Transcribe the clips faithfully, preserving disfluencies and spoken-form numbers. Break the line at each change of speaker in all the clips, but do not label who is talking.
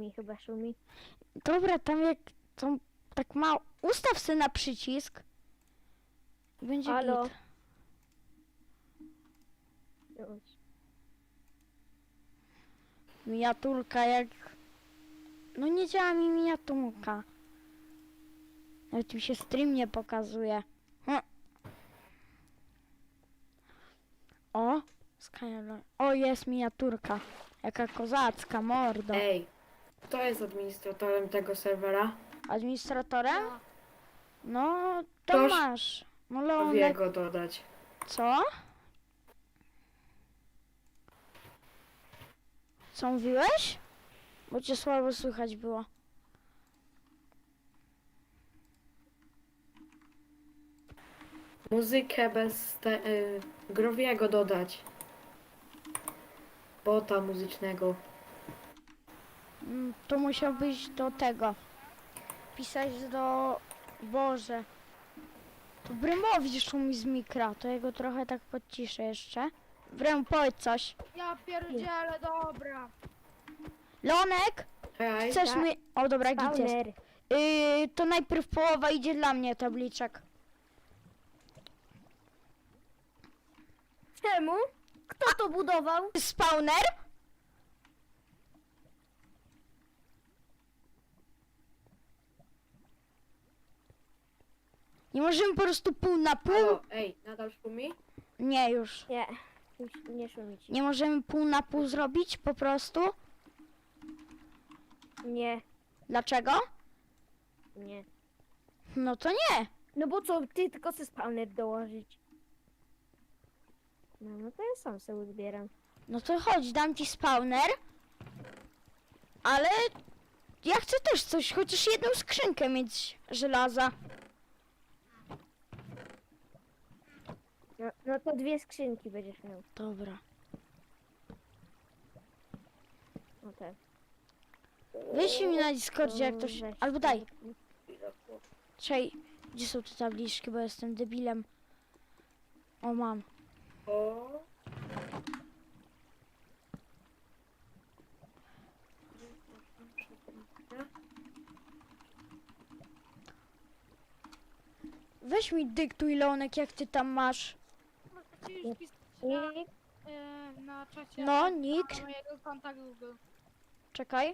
mi chyba szumi.
Dobra, tam jak to tak mało. Ustaw se na przycisk. I będzie
Halo?
git.
Już.
Miniaturka jak... No nie działa mi miniaturka. Nawet mi się stream nie pokazuje. Hm. O! Skyline. O, jest miniaturka. Jaka kozacka, mordo.
Ej, kto jest administratorem tego serwera?
Administratorem? No, to
Ktoś
masz. No
wie
Leonek.
go dodać.
Co? Co mówiłeś? Bo cię słabo słychać było.
Muzykę bez te, y, Growiego dodać. Bota muzycznego.
Mm, To musiałbyś do tego. Pisać do... Boże. To Brymowi szumi z mikra. To jego trochę tak podciszę jeszcze. Brym, powiedz coś.
Ja pierdzielę, dobra.
Leonek?
Hej,
Chcesz
tak.
mi... O, dobra, git jest.
Spawner.
Yy, to najpierw połowa idzie dla mnie, tabliczek.
Czemu? Kto to budował?
Spawner? Nie możemy po prostu pół na pół?
halo, ej, nadal szumi?
Nie, już.
Nie, już nie szumić.
Nie możemy pół na pół zrobić po prostu?
Nie,
Dlaczego?
nie.
No to nie.
No bo co, ty tylko chcesz spawner dołożyć. No, no to ja sam sobie zbieram.
No to chodź, dam ci spawner. Ale ja chcę też coś, chociaż jedną skrzynkę mieć żelaza.
No, no to dwie skrzynki będziesz miał.
Dobra.
No tak.
Wyślij mi na Discordzie jak ktoś...
Weź
Albo daj.
sobie.
Czej, gdzie są te tabliczki, bo jestem debilem. O, mam.
O,
Weź mi dyktuj, Leonek, jak ty tam masz.
Możecie już pisać na,
I
e, na czacie
No, nikt.
na mojego konta Google.
Czekaj.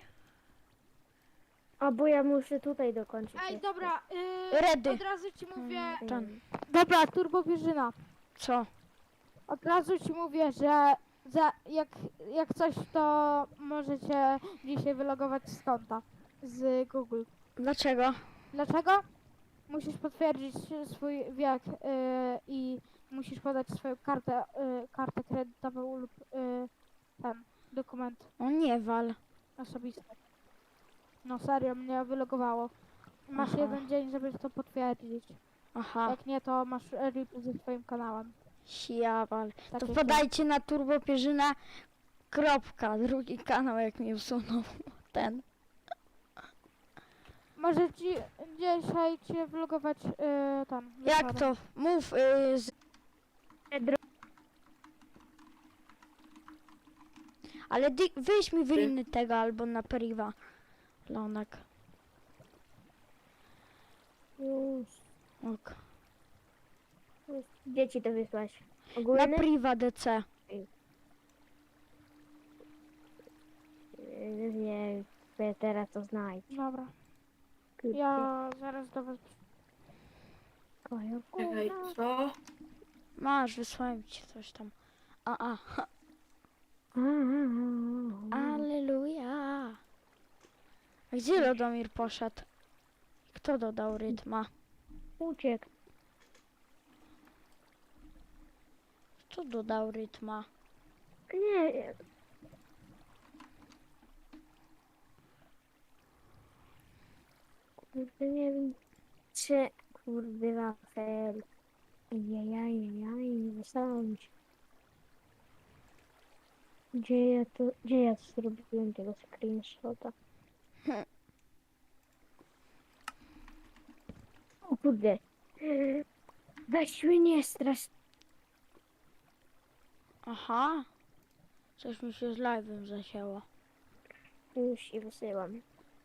A bo ja muszę tutaj dokończyć.
Ej,
jeszcze.
dobra, e,
Redy.
od razu ci mówię...
Mm,
Ten.
Dobra, Turbo Pierzyna.
Co?
Od razu ci mówię, że za, jak, jak coś, to możecie dzisiaj wylogować z konta z Google.
Dlaczego?
Dlaczego? Musisz potwierdzić swój wiek y, i musisz podać swoją kartę, y, kartę kredytową lub y, ten dokument
O nie wal.
osobisty. No serio, mnie wylogowało. Masz
Aha.
jeden dzień, żeby to potwierdzić.
Aha.
Jak nie, to masz rip ze swoim kanałem.
Ja wal.
Tak
To
jak
podajcie na Turbo Pierzyna. Kropka. Drugi kanał, jak mi usunął ten.
ja. Może ci dzisiaj cię wylogować y, tam.
Jak
wieczorem.
to? Mów. Yy, z...
Dro-
Ale dy... wyjść mi wyliny tego albo na priwa. Leonek.
Już,
Ok.
już. Gdzie ci to wysłać?
Na
Ogólny?
priwa D C.
Yy, Nie, wiem, teraz to znajdź.
Dobra,
Kurde.
ja zaraz do was...
Kojo.
czekaj, co?
Masz, wysłałem ci coś tam. A, a. Aleluja. A gdzie Lodomir poszedł? Kto dodał rytma?
Uciekł.
Kto dodał rytma?
Nie wiem. Kurde, nie wiem. Czy... Kurde, Rafael. Jajajajaj, nie dostałam się. Gdzie ja to... Gdzie ja zrobiłem tego screenshota? O kurde. Weź mnie nie strasz.
Aha. Coś mi się z live'em zasięło.
Już i wysyłam.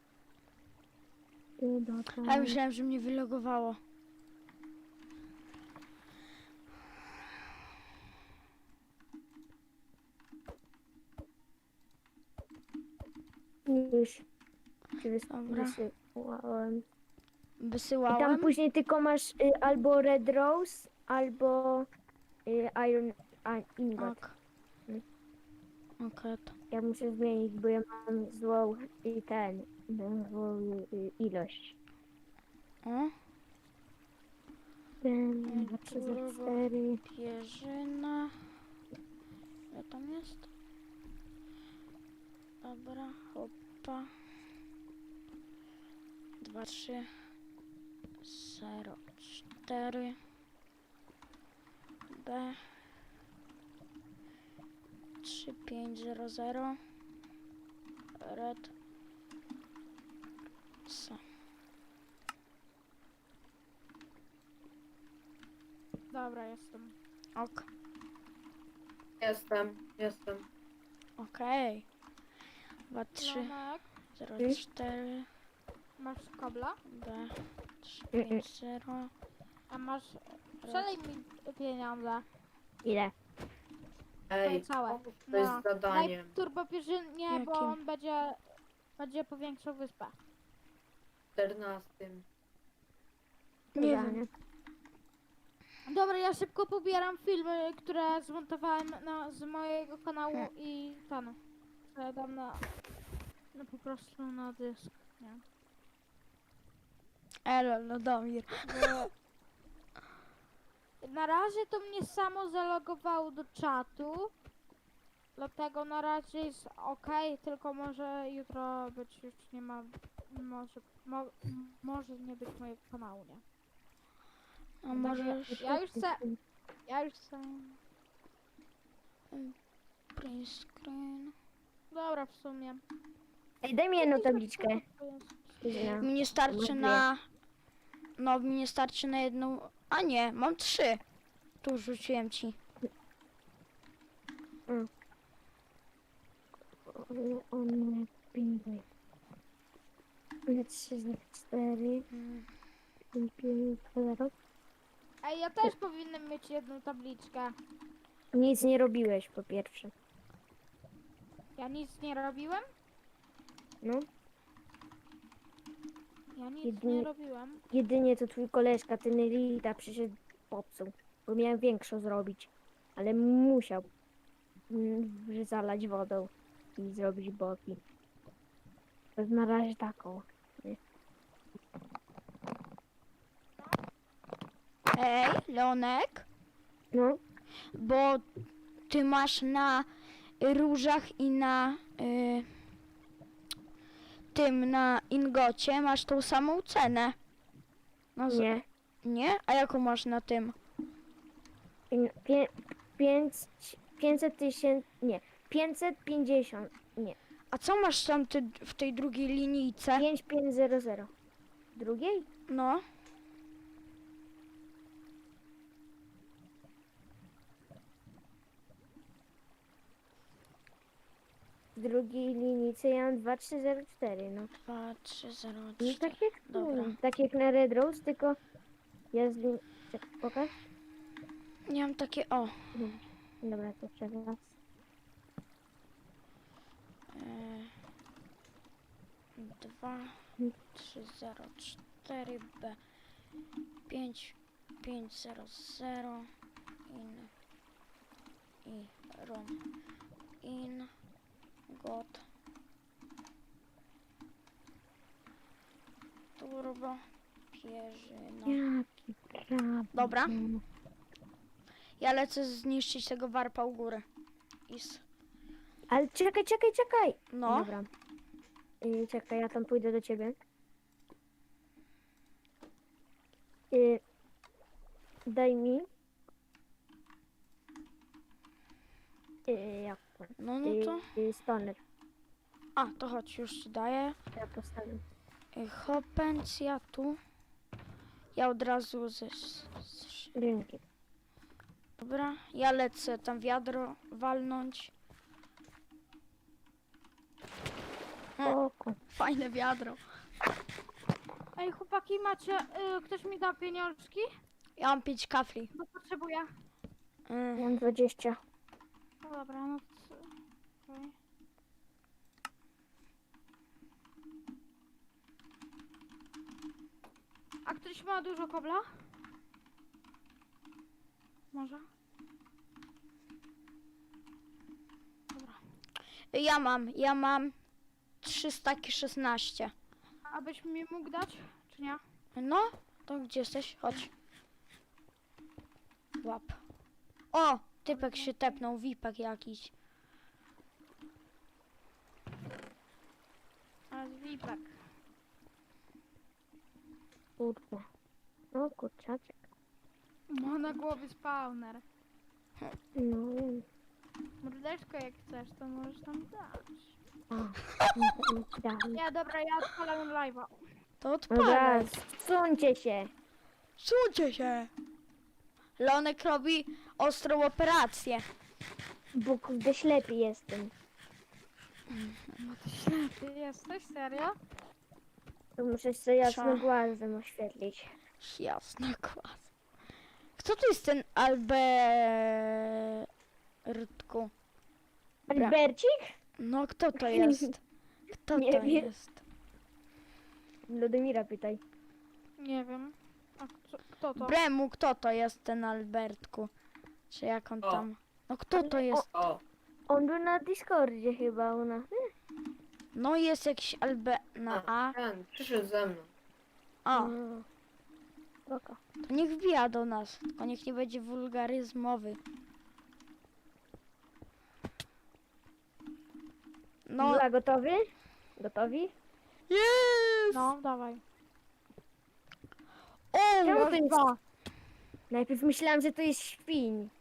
I do
A ja
tam.
myślałem, że mnie wylogowało.
Już ci wys-
Dobra.
wysyłałem. I
Wysyłałem.
tam później tylko masz y, albo Red Rose, albo y, Iron a, Ingot.
Ok.
Mm.
Okej, to.
Ja muszę zmienić, bo ja mam złą i ten, mam złą y, ilość.
O,
Ten, dwa,
tu
trzy, zero,
robię.
cztery.
Pierzyna. Co tam jest? Dobra, hopa. Dwa, trzy, zero, cztery. B. Trzy, pięć, zero, zero. Red. C.
Dobra, jestem.
Ok.
Jestem, jestem.
Okej. Dwa, trzy,
Lonek,
zero,
Mm.
cztery.
masz kabla?
B. Trzy,
Mm,
pięć, zero.
A masz... Przelej mi pieniądze.
Ile?
Ej,
całe.
pomóż ktoś
No.
z zadaniem.
Daj turbopierzynie, bo
Jakim?
on będzie... Będzie powiększał wyspę.
czternastym.
Nie
Ja,
wiem.
Dobra, ja szybko pobieram filmy, które zmontowałem na, z mojego kanału
Hmm.
i ten. Co ja dam na... No po prostu na dysk, nie?
Elo, Lodomir.
Bo... Na razie to mnie samo zalogowało do czatu. Dlatego na razie jest ok, tylko może jutro być już nie ma... Może, mo, może nie być mojego kanału, nie?
A możesz...
Ja już chcę... Ja już chcę...
Print screen.
Dobra, w sumie.
Ej, daj mi jedną tabliczkę. Ile?
Mi nie starczy
Mam
na... No, mi nie starczy na jedną... A nie, mam trzy. Tu rzuciłem ci.
One pingły. One trzy, zero, cztery,
Mm.
pięć, pięć, zero.
Ej, ja też powinienem mieć jedną tabliczkę.
Nic nie robiłeś po pierwsze.
Ja nic nie robiłem?
No,
Ja nic
Jedynie-
nie robiłem.
jedynie to twój koleżka, ten Lita, przyszedł popsuł. Bo miałem większą zrobić. Ale musiał mm, zalać wodą i zrobić boki. To na razie taką.
Ej, Leonek,
No,
bo ty masz na różach i na y, tym, na ingocie masz tą samą cenę. No, z-
nie.
Nie? A jaką masz na tym?
Pię, pięć, pięćset tysięcy, nie. pięćset pięćdziesiąt, nie.
A co masz tam ty w tej drugiej linijce?
pięć pięć zero zero. Drugiej?
No.
W drugiej linijce ja mam dwa trzy zero cztery, no.
Dwa, trzy, zero,
No
cztery.
tak jak,
Dobra.
tak jak na Red Rose, tylko ja z lin... Czekaj, pokaż.
Nie mam takie, o.
Dobra, to jeszcze raz.
E, dwa, trzy, zero, cztery, B, pięć, pięć, zero, zero, in, i, rom, in, got, turbo, pierzyna.
Jaki prawo.
Dobra. Ja lecę zniszczyć tego warpa u góry. Is.
Ale czekaj, czekaj, czekaj.
No.
Dobra. Y, czekaj, ja tam pójdę do ciebie. Y, daj mi. Y, jak to?
No, no
Y,
to.
y, stoner.
A, to chodź, już ci daję.
Ja postawię.
Y, Hopencja tu. Ja od razu ze... z-
Dzięki.
Dobra, ja lecę tam wiadro walnąć.
spoko.
Fajne wiadro.
Ej, chłopaki, macie... Y, ktoś mi da pieniążki?
Ja mam pięć kafli.
Bo potrzebuję.
Mm.
Mam dwadzieścia.
No dobra, no to... okej. A ktoś ma dużo kobla? Może? Dobra.
Ja mam, ja mam trzysta szesnaście.
Abyś mi mógł dać, czy nie?
No, to gdzie jesteś? Chodź. Łap. O, typek się tepnął, wipek jakiś.
A z Wipek.
Kurwa. O kurczaczek.
Ma na głowie spawner.
No wiem.
Mordeczko, jak chcesz, to możesz tam dać.
O, dam.
Nie, dobra, ja odpalam live'a.
To
Dobra,
odpalaj.
zsuńcie się.
Słuchajcie się. Leonek robi ostrą operację.
Bo kurde ślepy jestem.
No ty ślepy jesteś, serio?
To muszę sobie jasno
Co?
głazem oświetlić.
Jasna kłas. Kto to jest ten Albertku? Dobra.
Albercik?
No kto to jest? Kto
Nie
to
wiem.
jest?
Lodomira pytaj.
Nie wiem. A kto, kto to?
Bremu, kto to jest ten Albertku? Czy jak on
O.
tam? No kto to jest?
O,
On był na Discordzie chyba u nas.
No jest jakiś Albe... na A.
ten, przyszedł ze mną.
O,
No. Spoko.
to niech wbija do nas. Tylko niech nie będzie wulgaryzmowy. No,
Dobra, gotowy? Gotowi?
jest!
No, dawaj.
O,
Czemu to jest...
Dwa.
Najpierw myślałam, że to jest świń.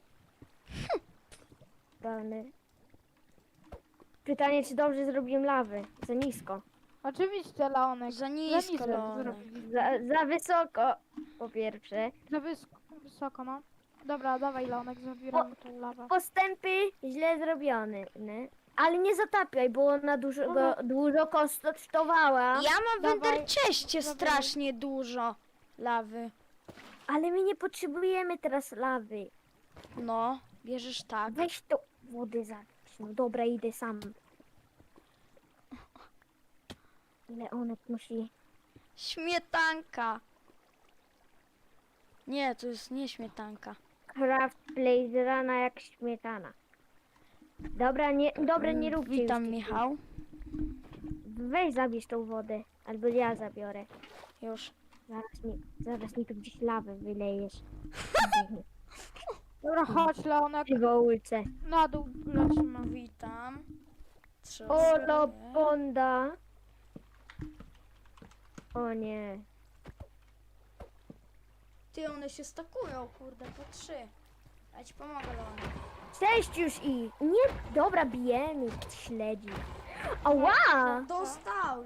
Dane. Pytanie, czy dobrze zrobiłem lawę? Za nisko.
Oczywiście, Leonek.
za
Za
nisko,
nisko
Leonek.
zrobili.
Za, za wysoko, po pierwsze.
Za wys wysoko, no. Dobra, dawaj, Leonek, zabieramy tą lawę.
Postępy źle zrobione. Nie? Ale nie zatapiaj, bo ona dużo, go, dużo kosztowała.
Ja mam w
Dawaj,
Enderchestie
dawaj.
strasznie dużo lawy.
Ale my nie potrzebujemy teraz lawy.
No, bierzesz tak.
Weź to wody zabić. No dobra, idę sam. Leonek musi...
Śmietanka. Nie, to jest nie śmietanka.
Craft Blazerana jak śmietana. Dobra, nie, dobra, nie róbcie już
Witam,
tych-
Michał.
Weź zabierz tą wodę, albo ja zabiorę.
Już.
Zaraz mi, zaraz mi tu gdzieś lawę wylejesz.
Dobra, chodź, Leonek.
Przywołyce.
Na dół lecimy.
Witam. Trzy
O,
osoby.
lobonda. O nie.
Ty, one się stakują, kurde, po trzy. Ja ci pomogę, Leonek.
Cześć już i... Nie, dobra, bijemy śledzi. Ała!
Dostał.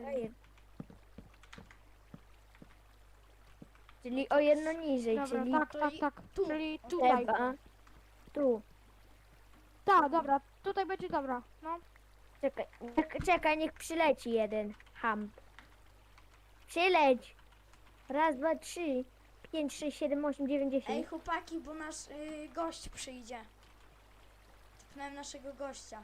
Czyli o jedno niżej,
Dobra,
czyli
tak,
to
tak,
i-
tak.
tu,
Czyli tutaj.
trzeba. Tu.
Tak, dobra, tutaj będzie dobra. No.
Czekaj, czek- czekaj, niech przyleci jeden. Ham. Przyleć. Raz, dwa, trzy. Pięć, sześć, siedem, osiem, dziewięć,
Ej,
dziesięć.
chłopaki, bo nasz y, gość przyjdzie. Typnąłem naszego gościa.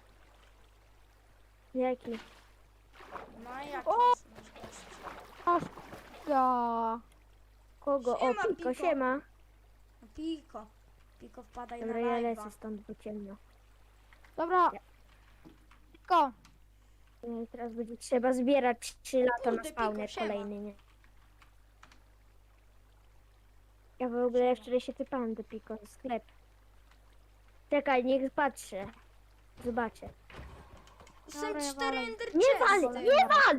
Jaki?
No a jak
O!
jest nasz gość?
Aż. Ja.
Kogo?
Siema,
o, Piko,
Piko.
siema.
No, Piko. Piko, wpadaj
Dobra,
na
ja
live'a.
lecę stąd, bo ciemno.
Dobra. Tylko.
No, teraz będzie trzeba zbierać trzy lata na
Kurde,
spawner
Piko, siema.
kolejny, nie? Ja w ogóle wczoraj się typałem do Piko, sklep. Czekaj, niech patrzę. Zobaczę.
Są
Dobra, ja
cztery
walę.
ender
Nie wal,
chesty.
nie wal!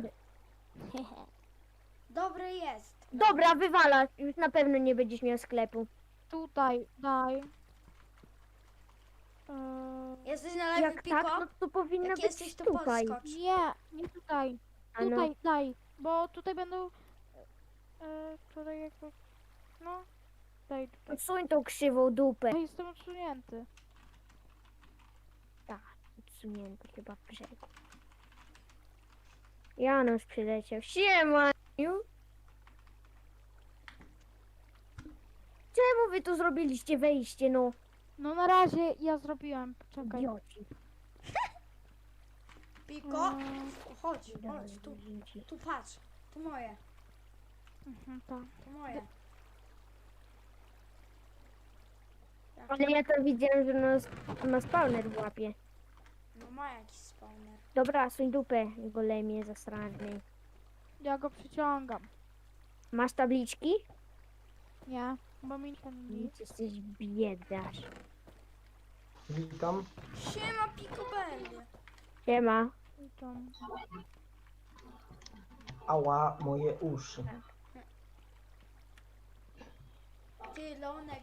Dobry jest.
Dobra, wywala. Już na pewno nie będziesz miał sklepu.
Tutaj, daj. Eee,
Jesteś na live,
Jak
Piko?
tak, no to powinno
Jak
być
jesteś, to
tutaj.
podskocz.
nie, nie tutaj.
A no.
Tutaj, daj. Bo tutaj będą... Eee, tutaj jakby... No. Daj tutaj.
Odsuń tą krzywą dupę.
Ja jestem odsunięty.
Tak, odsunięty chyba w brzegu. Janusz przyleciał. Siema! Czemu wy tu zrobiliście wejście, no?
No na razie ja zrobiłem, poczekaj.
Idioci.
Piko,
Mm,
chodź, chodź, tu, tu patrz. To moje,
mhm, tak.
to moje.
Ale ja to widziałem, że nas, ma spawner w łapie.
No ma jakiś spawner.
Dobra, suń dupę, golemie zasrany.
Ja go przyciągam.
Masz tabliczki?
Nie, bo mi to nic.
Nic, jesteś biedasz.
Witam.
Siema, Piko Belly.
Siema.
I tam.
Ała, moje uszy.
Ty, Leonek.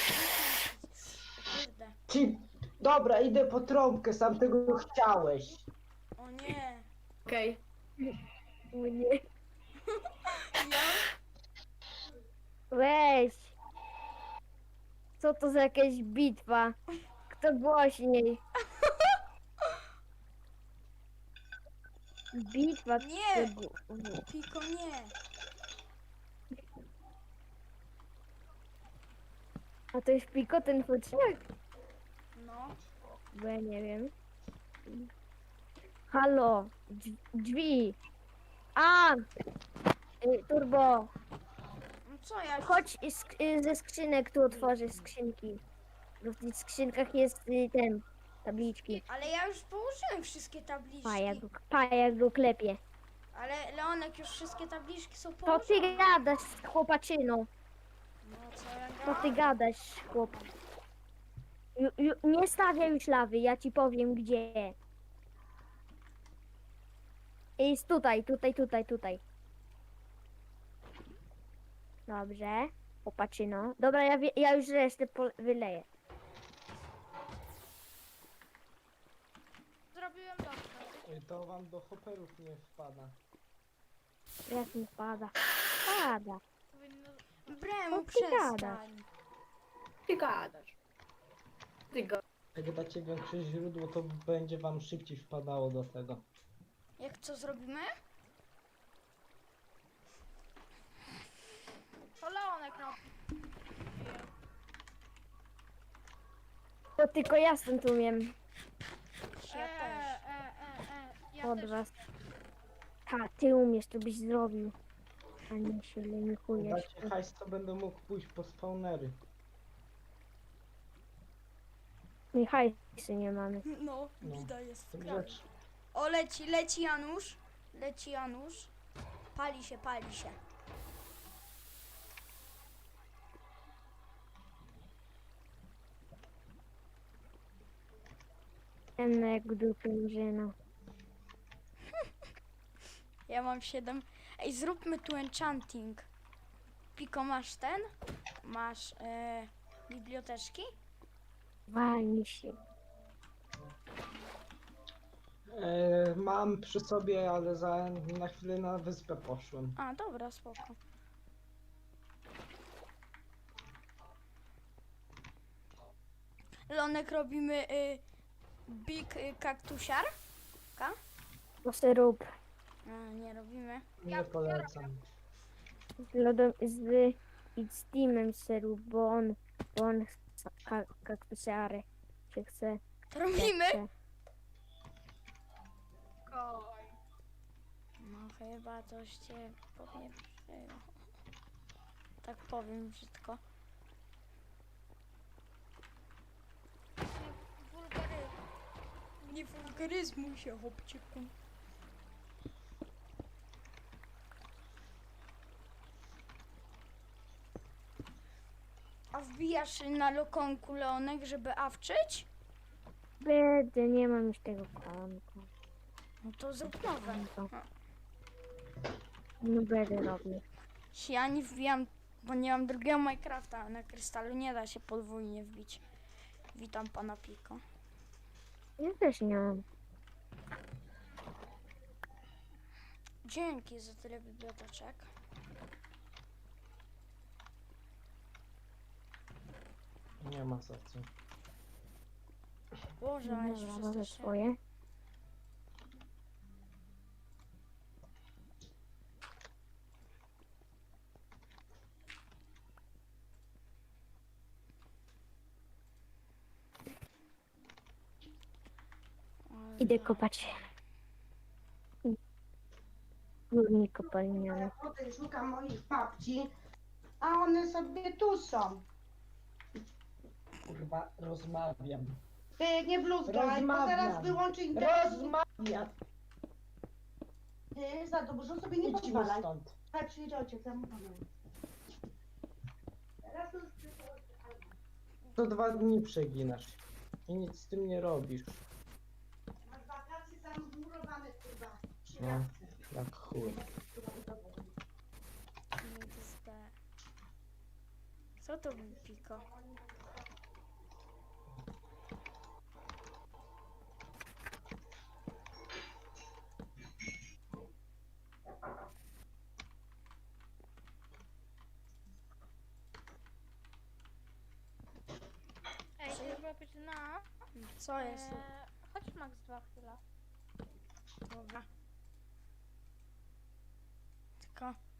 Kurde.
Ci... Dobra, idę po trąbkę, sam tego chciałeś.
O nie.
Okej.
O nie.
Ja?
Weź. Co to za jakaś bitwa? Kto głośniej? Bitwa.
Nie.
kto gó-
Piko, nie.
A to jest Piko ten futrzak?
No.
Bo ja nie wiem. Halo. Drzwi. drzwi. A! Y, Turbo.
No co ja?
Chodź i sk- y, ze skrzynek tu otworzę skrzynki. Bo w tych skrzynkach jest y, ten. Tabliczki.
Ale ja już położyłem wszystkie tabliczki.
Paja go, paja go klepie.
Ale Leonek, już wszystkie tabliczki są
To
położone.
ty gadasz, chłopaczyno.
No co ja
To ty
gadam?
gadasz, chłop. Ju, ju, nie stawiaj już lawy, ja ci powiem gdzie. Jest tutaj, tutaj, tutaj, tutaj. Dobrze, chłopaczyno. Dobra, ja, wie, ja już resztę po, wyleję.
Zrobiłem dobrze.
To wam do hopperów nie wpada.
Jak mi pada. Pada.
Powinno...
Bremu,
Co ty gadasz?
przestań.
Ty gadasz. Ty go.
Jak dacie większe źródło, to będzie wam szybciej wpadało do tego.
Jak co zrobimy?
To Leonek robi.
To tylko ja stąd umiem.
Ja
e,
też.
e, e, e. Ja
Od
też.
was. Ha, ty umiesz, to byś zrobił. A nie się lenikujesz.
Dacie hajs, to będę mógł pójść po spawnery.
My hajsy nie mamy.
No,
No.
bida jest w
To
kraju.
rzecz.
O, leci, leci Janusz. Leci Janusz. Pali się, pali się.
Ten jak dupy murzyna.
Ja mam siedem. Ej, zróbmy tu enchanting. Piko, masz ten? Masz e, biblioteczki?
Walnij się.
E, mam przy sobie, ale za, na chwilę na wyspę poszłem.
A, dobra, spoko. Lonek, robimy y, big y, kaktusiar? Ka?
To se rób.
A, nie robimy.
Nie polecam.
Z lodem, z, i z Teamem se rób, bo on, bo on chce ka, kaktusiary. Czy chce?
To robimy?
chce.
No chyba coś cię podnieprzyło. Tak powiem brzydko.
Wulgaryzm.
Nie wulgaryzmuj się, chłopczyku. A wbijasz na lokonku, Leonek, żeby awczyć?
Będę, nie mam już tego konta.
No to zrób nowe.
Konto. No będę robił.
Ja nie wbijam, bo nie mam drugiego Minecrafta, a na krystalu nie da się podwójnie wbić. Witam pana Piko.
Ja też nie mam.
Dzięki za tyle biblioteczek.
Nie ma za co.
Boże, ale się
Dobra, robię
przestraszyłem.
swoje. Idę kopać. Górnik kopalniany.
Potem szukam moich babci, a one sobie tu są.
Kurwa, rozmawiam.
Ty nie bluzgaj, bo
Rozmawiam.
zaraz wyłączy internet.
Rozmawiam!
Ty za dużo sobie nie
Idźmy
pozwalaj.
stąd.
Tak, przyjedzie ojciec, ja mu powiem. Teraz już
Co dwa dni przeginasz. I nic z tym nie robisz.
masz wakacje tam zmurowane, kurwa. Trzy
No.
razy.
Jak chuj.
X D. Co to był piko?
Ej, trzeba być na...
Co jest?
E, chodź Max dwa chwilę.
Dobra. Tylko